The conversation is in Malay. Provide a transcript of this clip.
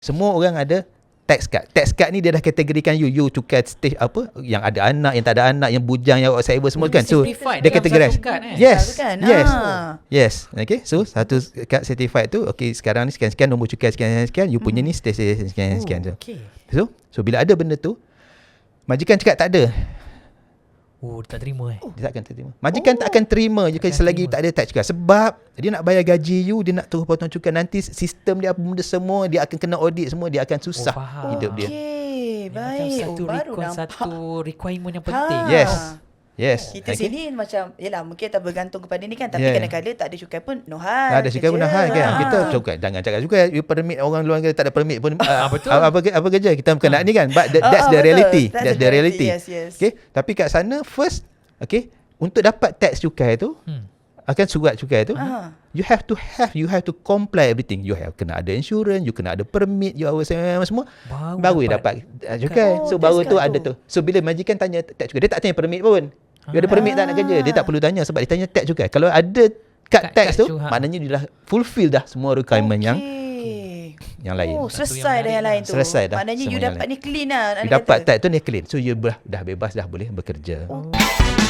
Semua orang ada tax card. Tax card ni dia dah kategorikan you cukai stage apa, yang ada anak, yang tak ada anak, yang bujang, yang whatever semua kan. So dia kategorize. Yes. Yes. Okay. So satu kad certified tu, okay, sekarang ni sekian-sekian nombor cukai sekian-sekian, you punya ni stage sekian-sekian. So bila ada benda tu, majikan cakap tak ada. Dia tak terima Dia takkan terima. Majikan tak akan terima je selagi tak ada tax cukai. Sebab dia nak bayar gaji you, dia nak turun potong cukai, nanti sistem dia apa benda semua, dia akan kena audit semua, dia akan susah hidup dia. Baik. Satu requirement yang penting. Yes. Kita sini macam, yelah mungkin kita bergantung kepada ni kan, tapi kadang-kadang tak ada cukai pun no hal. Tak ada cukai pun no hal kan. Kita cukai, jangan cakap cukai, you permit orang luar tak ada permit pun. Betul. Apa kerja kita bukan nak ni kan. But that's the reality. That's the reality. Yes. Okay. Tapi kat sana first, okay, untuk dapat tax cukai tu, akan surat cukai tu, you have to comply everything. You have kena ada insurance, you kena ada permit, you harus semua, baru dapat cukai. So baru tu ada tu. So bila majikan tanya tax cukai, dia tak tanya permit pun. You ada permit tak nak kerja, dia tak perlu tanya sebab dia tanya tax cukai. Kalau ada kad tax tu, maknanya dia dah fulfill dah semua requirement yang lain. Selesai dah yang lain tu. Selesai dah. Maknanya you dapat ni clean lah. You dapat tax tu ni clean. So you dah bebas, dah boleh bekerja.